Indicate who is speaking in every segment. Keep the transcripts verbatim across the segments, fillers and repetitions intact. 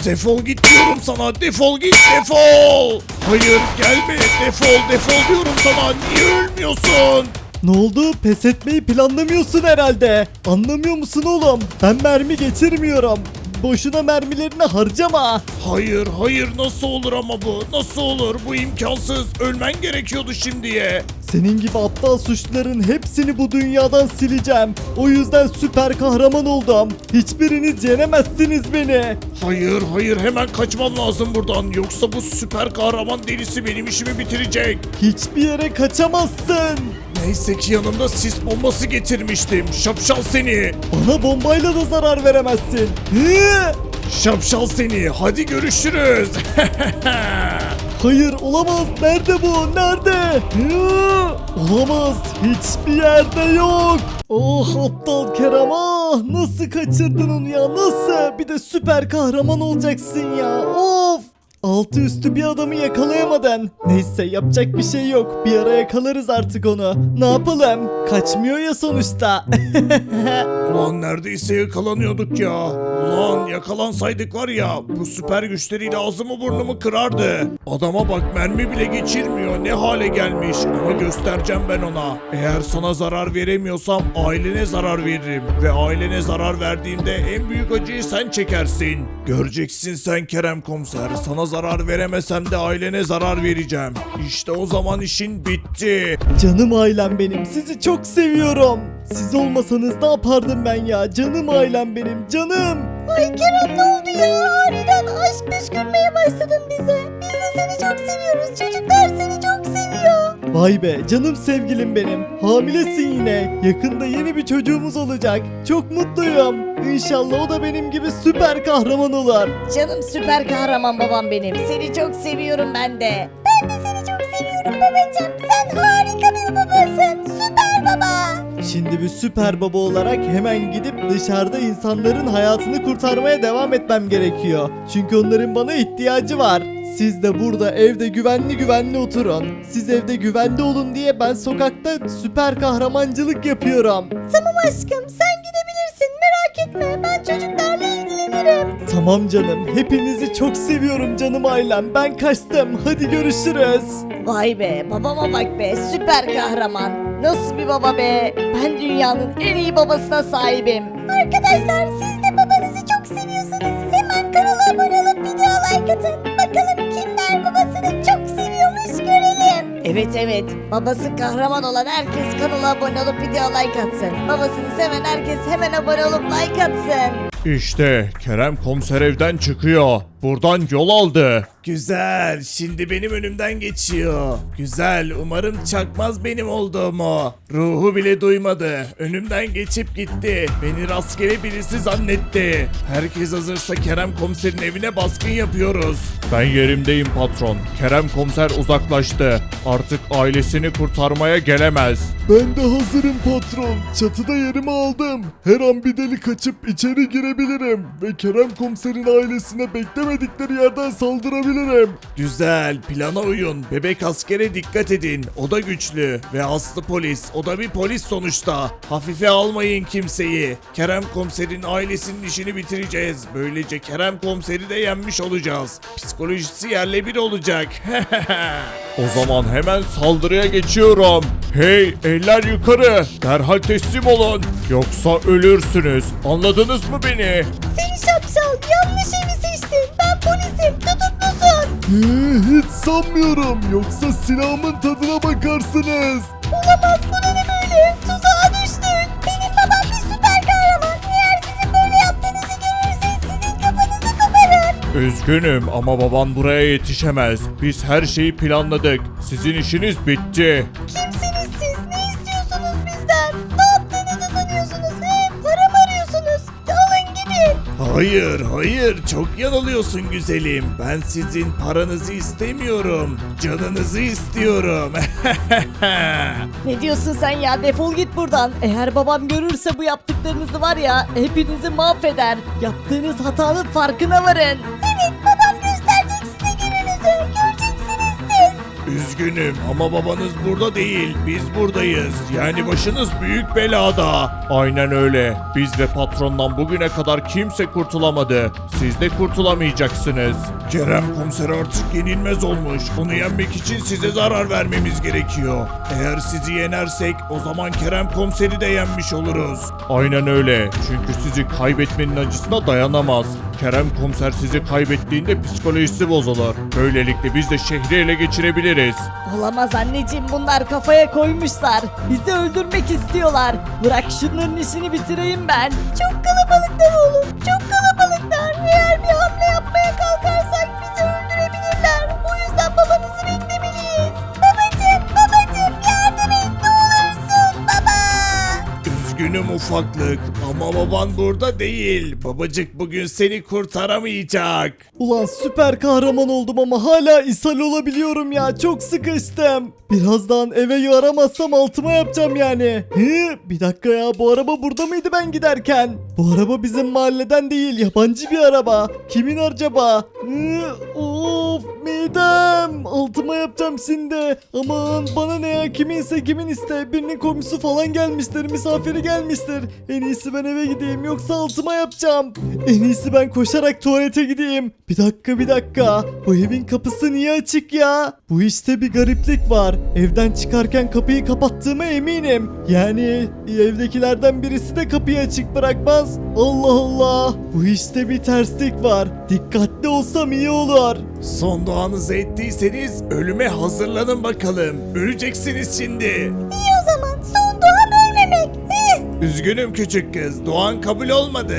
Speaker 1: Defol git diyorum sana, defol git, defol. Hayır gelme, defol defol diyorum sana, niye ölmüyorsun?
Speaker 2: Ne oldu? Pes etmeyi planlamıyorsun herhalde. Anlamıyor musun oğlum? Ben mermi geçirmiyorum. Boşuna mermilerini harcama.
Speaker 1: Hayır hayır, nasıl olur ama bu, nasıl olur, bu imkansız, ölmen gerekiyordu şimdiye.
Speaker 2: Senin gibi aptal suçluların hepsini bu dünyadan sileceğim. O yüzden süper kahraman oldum. Hiçbiriniz yenemezsiniz beni.
Speaker 1: Hayır hayır, hemen kaçmam lazım buradan, yoksa bu süper kahraman delisi benim işimi bitirecek.
Speaker 2: Hiçbir yere kaçamazsın.
Speaker 1: Neyse ki yanımda sis bombası getirmiştim, şapşal seni.
Speaker 2: Bana bombayla da zarar veremezsin. Hı!
Speaker 1: Şapşal seni, hadi görüşürüz.
Speaker 2: Hayır olamaz. Nerede bu? Nerede? Hı! Olamaz. Hiçbir yerde yok. Oh aptal Kerem, ah nasıl kaçırdın onu ya, nasıl? Bir de süper kahraman olacaksın ya. Of. Altı üstü bir adamı yakalayamadın. Neyse yapacak bir şey yok. Bir ara yakalarız artık onu. Ne yapalım? Kaçmıyor ya sonuçta.
Speaker 1: Ulan neredeyse yakalanıyorduk ya. Ulan yakalansaydık var ya, bu süper güçleriyle ağzımı burnumu kırardı. Adama bak, mermi bile geçirmiyor, ne hale gelmiş. Ama göstereceğim ben ona. Eğer sana zarar veremiyorsam ailene zarar veririm. Ve ailene zarar verdiğimde en büyük acıyı sen çekersin. Göreceksin sen Kerem Komiser. Sana zarar veremesem de ailene zarar vereceğim. İşte o zaman işin bitti.
Speaker 2: Canım ailem benim, sizi çok seviyorum. Siz olmasanız ne yapardım ben ya? Canım ailem benim, canım.
Speaker 3: Ay Kerem, ne oldu ya? Aniden aşk püskürmeye başladın bize. Biz de seni çok seviyoruz. Çocuklar seni çok seviyor.
Speaker 2: Vay be canım sevgilim benim. Hamilesin yine. Yakında yeni bir çocuğumuz olacak. Çok mutluyum. İnşallah o da benim gibi süper kahraman olur.
Speaker 3: Canım süper kahraman babam benim. Seni çok seviyorum ben de. Ben de seni çok seviyorum babacığım. Sen harika bir babasın. Süper baba.
Speaker 2: Şimdi bir süper baba olarak hemen gidip dışarıda insanların hayatını kurtarmaya devam etmem gerekiyor. Çünkü onların bana ihtiyacı var. Siz de burada evde güvenli güvenli oturun. Siz evde güvende olun diye ben sokakta süper kahramancılık yapıyorum.
Speaker 3: Tamam aşkım, sen gidebilirsin. Merak etme, ben çocuklarla ilgilenirim.
Speaker 2: Tamam canım. Hepinizi çok seviyorum canım ailem. Ben kaçtım. Hadi görüşürüz.
Speaker 3: Vay be, babama bak be, süper kahraman. Nasıl bir baba be? Ben dünyanın en iyi babasına sahibim. Arkadaşlar, siz de babanızı çok seviyorsunuz. Hemen kanala abone olup video like atın. Bakalım kimler babasını çok seviyormuş görelim. Evet evet, babası kahraman olan herkes kanala abone olup video like atsın. Babasını seven herkes hemen abone olup like atsın.
Speaker 1: İşte Kerem Komiser evden çıkıyor. Buradan yol aldı. Güzel, şimdi benim önümden geçiyor. Güzel, umarım çakmaz benim olduğumu. Ruhu bile duymadı. Önümden geçip gitti. Beni rastgele birisi zannetti. Herkes hazırsa Kerem Komiser'in evine baskın yapıyoruz. Ben yerimdeyim patron. Kerem Komiser uzaklaştı. Artık ailesini kurtarmaya gelemez.
Speaker 2: Ben de hazırım patron. Çatıda yerimi aldım. Her an bir deli kaçıp içeri girebilirim. Ve Kerem Komiser'in ailesine beklemedikleri yerden saldırabilirim.
Speaker 1: Güzel, plana uyun. Bebek askere dikkat edin. O da güçlü. Ve Aslı polis. O da bir polis sonuçta. Hafife almayın kimseyi. Kerem Komiser'in ailesinin işini bitireceğiz. Böylece Kerem Komiser'i de yenmiş olacağız. Psikolojisi yerle bir olacak. O zaman hemen saldırıya geçiyorum. Hey, eller yukarı. Derhal teslim olun. Yoksa ölürsünüz. Anladınız mı beni?
Speaker 3: Seni şapşal, yanlış evi seçtin. Ben polisim, tutuklusun.
Speaker 2: Ee, hiç sanmıyorum. Yoksa silahımın tadına bakarsınız.
Speaker 3: Olamaz, bu ne böyle? Tuzağa düştün. Benim babam bir süper kahraman. Eğer sizin böyle yaptığınızı görürse sizin kafanızı koparır.
Speaker 1: Üzgünüm ama baban buraya yetişemez. Biz her şeyi planladık. Sizin işiniz bitti.
Speaker 3: Kimsiniz siz? Ne istiyorsunuz bizden? Ne yaptığınızı sanıyorsunuz? He? Para mı arıyorsunuz? Alın gidin.
Speaker 1: Hayır, hayır. Çok yanılıyorsun güzelim. Ben sizin paranızı istemiyorum. Canınızı istiyorum.
Speaker 3: Ne diyorsun sen ya? Defol git buradan. Eğer babam görürse bu yaptıklarınızı var ya, hepinizi mahveder. Yaptığınız hatanın farkına varın. Evet, babam gösterecek size gününüzü. Göreceksiniz siz.
Speaker 1: Üzgünüm ama babanız burada değil. Biz buradayız. Yani başınız büyük belada. Aynen öyle. Biz ve patrondan bugüne kadar kimse kurtulamadı. Siz de kurtulamayacaksınız. Kerem komiser artık yenilmez olmuş. Onu yenmek için size zarar vermemiz gerekiyor. Eğer sizi yenersek o zaman Kerem komiseri de yenmiş oluruz. Aynen öyle. Çünkü sizi kaybetmenin acısına dayanamaz. Kerem komiser sizi kaybettiğinde psikolojisi bozulur. Böylelikle biz de şehri ele geçirebiliriz.
Speaker 3: Olamaz anneciğim, bunlar kafaya koymuşlar. Bizi öldürmek istiyorlar. Bırak şunların işini bitireyim ben. Çok kalabalıklar oğlum, çok kalabalıklar. Eğer bir hamle yapmaya kalkarsak bizi öldürebilirler. O yüzden babanızı beklemeliyiz. Babacım, babacım yardım et ne olursun baba.
Speaker 1: Üzgünüm ufaklık ama baban burada değil. Babacık bugün seni kurtaramayacak.
Speaker 2: Ulan süper kahraman oldum ama hala ishal olabiliyorum ya. Çok sıkıştım. Birazdan eve yaramazsam altıma yapacağım yani. Hı, bir dakika ya, bu araba burada mıydı ben giderken? Bu araba bizim mahalleden değil, yabancı bir araba. Kimin acaba? Hı, of midem. Altıma yapacağım şimdi. Aman bana ne ya, kiminse kimin iste. Birinin komşusu falan gelmiştir, misafiri gelmiştir. En iyisi ben eve gideyim yoksa altıma yapacağım. En iyisi ben koşarak tuvalete gideyim. Bir dakika bir dakika. Bu evin kapısı niye açık ya? Bu işte bir gariplik var. Evden çıkarken kapıyı kapattığıma eminim. Yani evdekilerden birisi de kapıyı açık bırakmaz. Allah Allah. Bu işte bir terslik var. Dikkatli olsam iyi olur.
Speaker 1: Son duanızı ettiyseniz ölüme hazırlanın bakalım. Öleceksiniz şimdi.
Speaker 3: İyi o zaman, son duam ölmemek. Heh.
Speaker 1: Üzgünüm küçük kız. Duan kabul olmadı.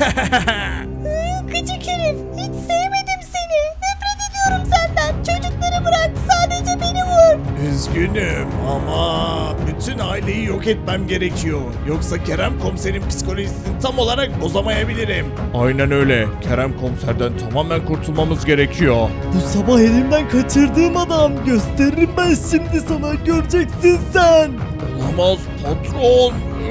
Speaker 3: Hı, Gıcık herif, hiç sevmedim seni. Nefret ediyorum senden. Çocukları bırak, sadece beni vur.
Speaker 1: Üzgünüm ama bütün aileyi yok etmem gerekiyor. Yoksa Kerem komiserin psikolojisini tam olarak bozamayabilirim. Aynen öyle. Kerem komiserden tamamen kurtulmamız gerekiyor.
Speaker 2: Bu sabah elimden kaçırdığım adam. Gösteririm ben şimdi sana. Göreceksin sen.
Speaker 1: Olamaz patron.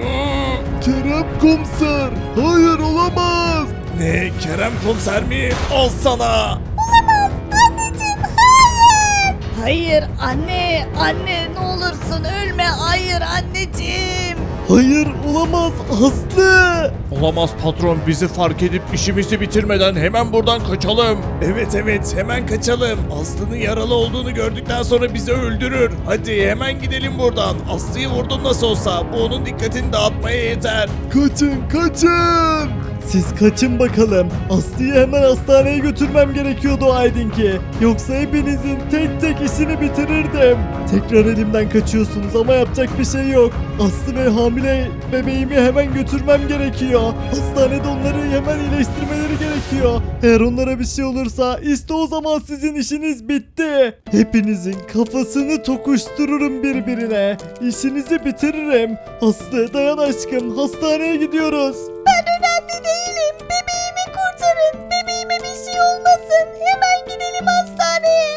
Speaker 2: Kerem komiser. Hayır olamaz.
Speaker 1: Ne? Kerem komiser mi? Al sana.
Speaker 3: Anneciğim, hayır. Hayır anne, anne ne olursun ölme. Hayır anneciğim.
Speaker 2: Hayır olamaz Aslı.
Speaker 1: Olamaz patron, bizi fark edip işimizi bitirmeden hemen buradan kaçalım. Evet evet hemen kaçalım. Aslı'nın yaralı olduğunu gördükten sonra bizi öldürür. Hadi hemen gidelim buradan. Aslı'yı vurdun nasıl olsa, bu onun dikkatini dağıtmaya yeter.
Speaker 2: Kaçın kaçın. Siz kaçın bakalım. Aslı'yı hemen hastaneye götürmem gerekiyordu Aydın ki. Yoksa hepinizin tek tek işini bitirirdim. Tekrar elimden kaçıyorsunuz ama yapacak bir şey yok. Aslı ve hamile bebeğimi hemen götürmem gerekiyor. Hastanede onları hemen iyileştirmeleri gerekiyor. Eğer onlara bir şey olursa işte o zaman sizin işiniz bitti. Hepinizin kafasını tokuştururum birbirine. İşinizi bitiririm. Aslı dayan aşkım, hastaneye gidiyoruz.
Speaker 3: Ben önemli değilim. Bebeğimi kurtarın. Bebeğime bir şey olmasın. Hemen gidelim hastaneye.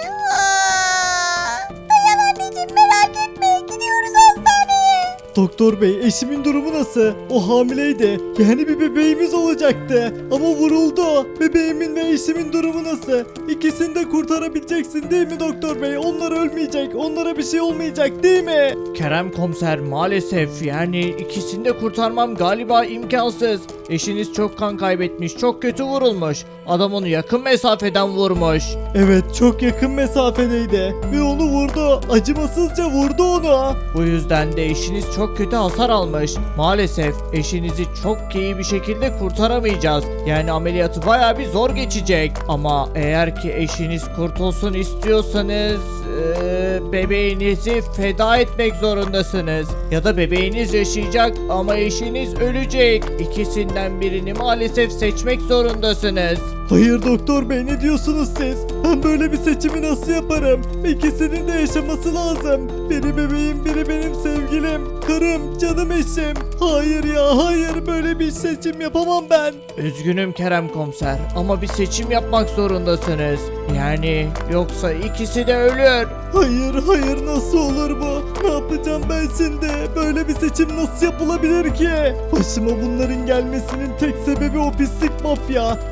Speaker 3: Aa! Dayan anneciğim, merak etme. Gidiyoruz hastaneye.
Speaker 2: Doktor bey, eşimin durumu nasıl? O hamileydi. Yani bir bebeğimiz olacaktı. Ama vuruldu. Bebeğimin ve eşimin durumu nasıl? İkisini de kurtarabileceksin değil mi doktor bey? Onlar ölmeyecek. Onlara bir şey olmayacak değil mi?
Speaker 4: Kerem komiser, maalesef yani ikisini de kurtarmam galiba imkansız. Eşiniz çok kan kaybetmiş, çok kötü vurulmuş. Adam onu yakın mesafeden vurmuş.
Speaker 2: Evet, çok yakın mesafedeydi. Ve onu vurdu. Acımasızca vurdu onu.
Speaker 4: Bu yüzden de eşiniz çok kötü hasar almış. Maalesef eşinizi çok iyi bir şekilde kurtaramayacağız. Yani ameliyatı bayağı bir zor geçecek. Ama eğer ki eşiniz kurtulsun istiyorsanız eee, bebeğinizi feda etmek zorundasınız. Ya da bebeğiniz yaşayacak ama eşiniz ölecek. İkisinden birini maalesef seçmek zorundasınız.
Speaker 2: Hayır doktor bey, ne diyorsunuz siz? Ben böyle bir seçimi nasıl yaparım? İkisinin de yaşaması lazım. Biri bebeğim, biri benim sevgilim, karım, canım eşim. Hayır ya hayır, böyle bir seçim yapamam ben.
Speaker 4: Üzgünüm Kerem komiser ama bir seçim yapmak zorundasınız. Yani yoksa ikisi de ölür.
Speaker 2: Hayır hayır, nasıl olur bu? Ne yapacağım ben şimdi? Böyle bir seçim nasıl yapılabilir ki? Başıma bunların gelmesinin tek sebebi o pislik mafya.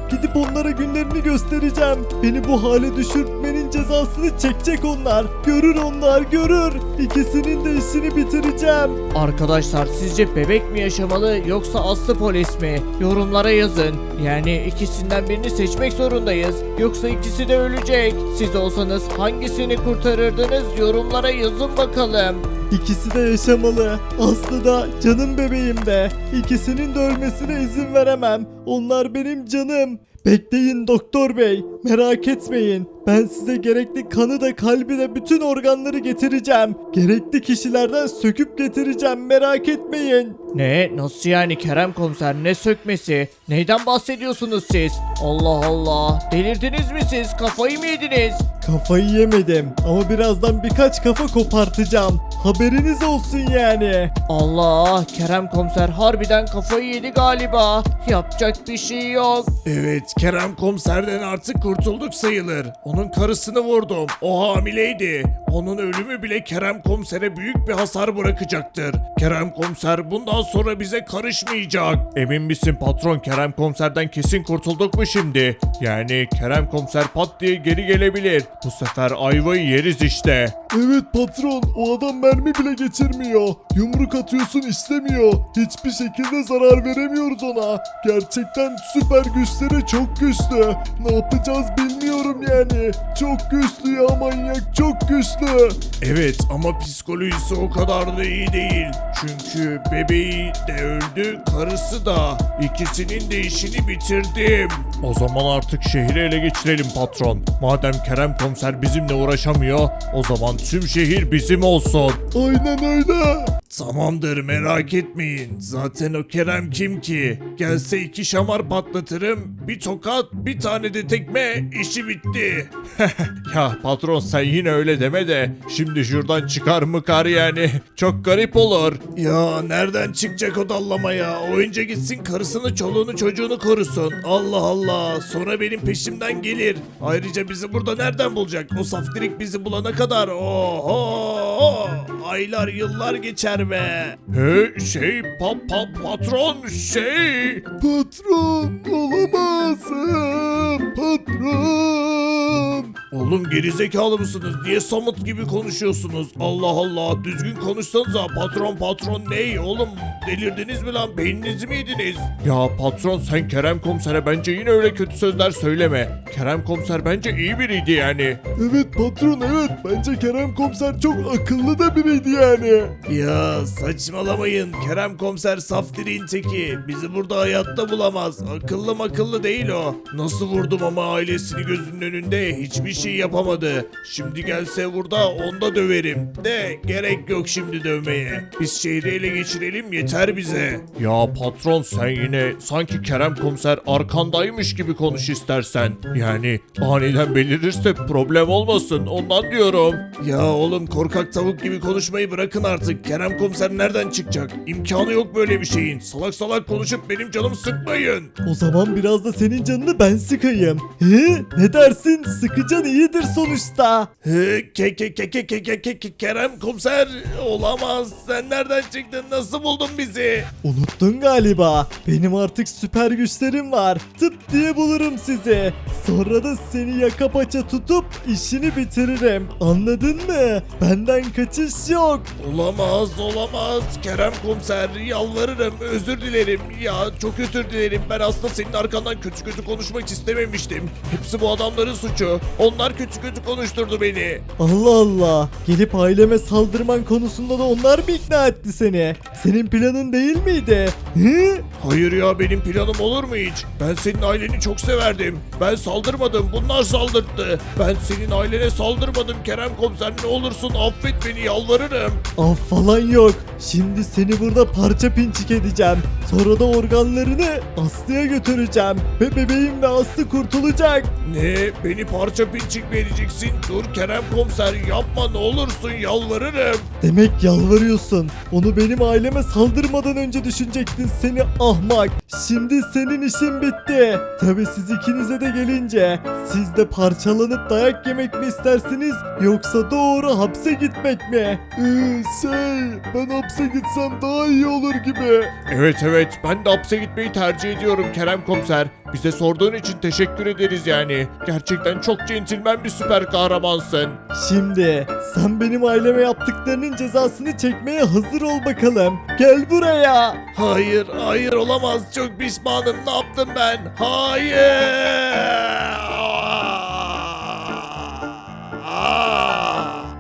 Speaker 2: Gidip onlara günlerini göstereceğim. Beni bu hale düşürmenin cezasını çekecek onlar. Görür onlar görür. İkisinin de işini bitireceğim.
Speaker 4: Arkadaşlar sizce bebek mi yaşamalı yoksa Aslı polis mi? Yorumlara yazın. Yani ikisinden birini seçmek zorundayız. Yoksa ikisi de ölecek. Siz olsanız hangisini kurtarırdınız? Yorumlara yazın bakalım.
Speaker 2: İkisi de yaşamalı. Aslı da canım bebeğim de. İkisinin de ölmesine izin veremem. Onlar benim canım. Bekleyin doktor bey. Merak etmeyin. Ben size gerekli kanı da kalbi de bütün organları getireceğim. Gerekli kişilerden söküp getireceğim. Merak etmeyin.
Speaker 4: Ne? Nasıl yani Kerem komiser? Ne sökmesi? Neyden bahsediyorsunuz siz? Allah Allah. Delirdiniz mi siz? Kafayı mı yediniz?
Speaker 2: Kafayı yemedim ama birazdan birkaç kafa kopartacağım. Haberiniz olsun yani.
Speaker 4: Allah, Kerem komiser harbiden kafayı yedi galiba. Yapacak bir şey yok.
Speaker 1: Evet, Kerem komiserden artık kurtulduk sayılır. Onun karısını vurdum. O hamileydi. Onun ölümü bile Kerem komisere büyük bir hasar bırakacaktır. Kerem komiser bundan sonra bize karışmayacak. Emin misin patron, Kerem komiserden kesin kurtulduk mu şimdi? Yani Kerem komiser pat diye geri gelebilir. Bu sefer ayvayı yeriz işte.
Speaker 2: Evet patron, o adam mermi bile geçirmiyor. Yumruk atıyorsun işlemiyor. Hiçbir şekilde zarar veremiyoruz ona. Gerçekten süper güçleri çok güçlü. Ne yapacağız bilmiyorum yani. Çok güçlü ya, manyak çok güçlü.
Speaker 1: Evet ama psikolojisi o kadar da iyi değil. Çünkü bebeği de öldü, karısı da. İkisinin de işini bitirdim. O zaman artık şehri ele geçirelim patron. Madem Kerem komiser bizimle uğraşamıyor, o zaman tüm şehir bizim olsun.
Speaker 2: Aynen öyle.
Speaker 1: Tamamdır, merak etmeyin. Zaten o Kerem kim ki? Gelse iki şamar patlatırım. Bir tokat, bir tane de tekme, işi bitti. Ya patron sen yine öyle deme de. Şimdi şuradan çıkar mı kar yani? Çok garip olur. Ya nereden çıkacak o dallama ya? Oyunca gitsin karısını, çoluğunu, çocuğunu korusun. Allah Allah. Sonra benim peşimden gelir. Ayrıca bizi burada nereden bulacak? O saftirik bizi bulana kadar. Oho! Aylar, yıllar geçer be. He şey pa, pa, patron şey.
Speaker 2: Patron olamaz. Patron.
Speaker 1: Oğlum gerizekalı mısınız? Niye samut gibi konuşuyorsunuz? Allah Allah, düzgün konuşsanıza. Patron patron ney oğlum? Delirdiniz mi lan? Beyninizi mi yediniz? Ya patron sen Kerem komisere bence yine öyle kötü sözler söyleme. Kerem komiser bence iyi biriydi yani.
Speaker 2: Evet patron, evet. Bence Kerem komiser çok akıllı da biriydi yani.
Speaker 1: Ya saçmalamayın. Kerem komiser saftiriyin teki. Bizi burada hayatta bulamaz. Akıllı makıllı değil o. Nasıl vurdum ama ailesini gözünün önünde hiçbir şey yapamadı. Şimdi gelse burada onu da döverim. De gerek yok şimdi dövmeye. Biz şehri ele geçirelim yeter bize. Ya patron sen yine sanki Kerem komiser arkandaymış gibi konuş istersen. Yani aniden belirirse problem olmasın ondan diyorum. Ya oğlum korkak tavuk gibi konuşmayı bırakın artık. Kerem komiser nereden çıkacak? İmkanı yok böyle bir şeyin. Salak salak konuşup benim canımı sıkmayın.
Speaker 2: O zaman biraz da senin canını ben sıkayım. He? Ne dersin? Sıkıcan iyidir sonuçta.
Speaker 1: He, ke ke ke ke ke ke ke ke Kerem komiser olamaz. Sen nereden çıktın? Nasıl buldun bizi?
Speaker 2: Unuttun galiba. Benim artık süper güçlerim var. Tıp diye bulurum sizi. Sonra da seni yaka paça tutup işini bitiririm. Anladın mı? Benden kaçış yok.
Speaker 1: Olamaz olamaz. Kerem komiser yalvarırım, özür dilerim. Ya çok özür dilerim. Ben aslında senin arkandan kötü kötü konuşmak istememiştim. Hepsi bu adamların suçu. Onlar kötü kötü konuşturdu beni.
Speaker 2: Allah Allah. Gelip aileme saldırman konusunda da onlar mı ikna etti seni? Senin planın değil miydi? Hı?
Speaker 1: Hayır ya, benim planım olur mu hiç? Ben senin aileni çok severdim. Ben saldırmadım, bunlar saldırttı. Ben senin ailene saldırmadım Kerem komiser, ne olursun affet beni, yalvarırım.
Speaker 2: Af falan yok. Şimdi seni burada parça pinçik edeceğim. Sonra da organlarını Aslı'ya götüreceğim. Ve bebeğim ve Aslı kurtulacak.
Speaker 1: Ne? Beni parça pinçik mi edeceksin? Dur Kerem komiser, yapma ne olursun, yalvarırım.
Speaker 2: Demek yalvarıyorsun. Onu benim aileme saldırmadan önce düşünecektin seni ahmak. Şimdi senin işin bitti. Tabi siz ikinize de gelince. Siz de parçalanıp dayak yemek mi istersiniz? Yoksa doğru hapse gitmek mi? Ee, şey ben hapse gitsem daha iyi olur gibi.
Speaker 1: Evet evet, ben de hapse gitmeyi tercih ediyorum Kerem komiser. Bize sorduğun için teşekkür ederiz yani. Gerçekten çok centilmen bir süper kahramansın.
Speaker 2: Şimdi sen benim aileme yaptıklarının cezasını çekmeye hazır ol bakalım. Gel buraya.
Speaker 1: Hayır, hayır olamaz. Çok pişmanım. Ne yaptım ben? Hayır.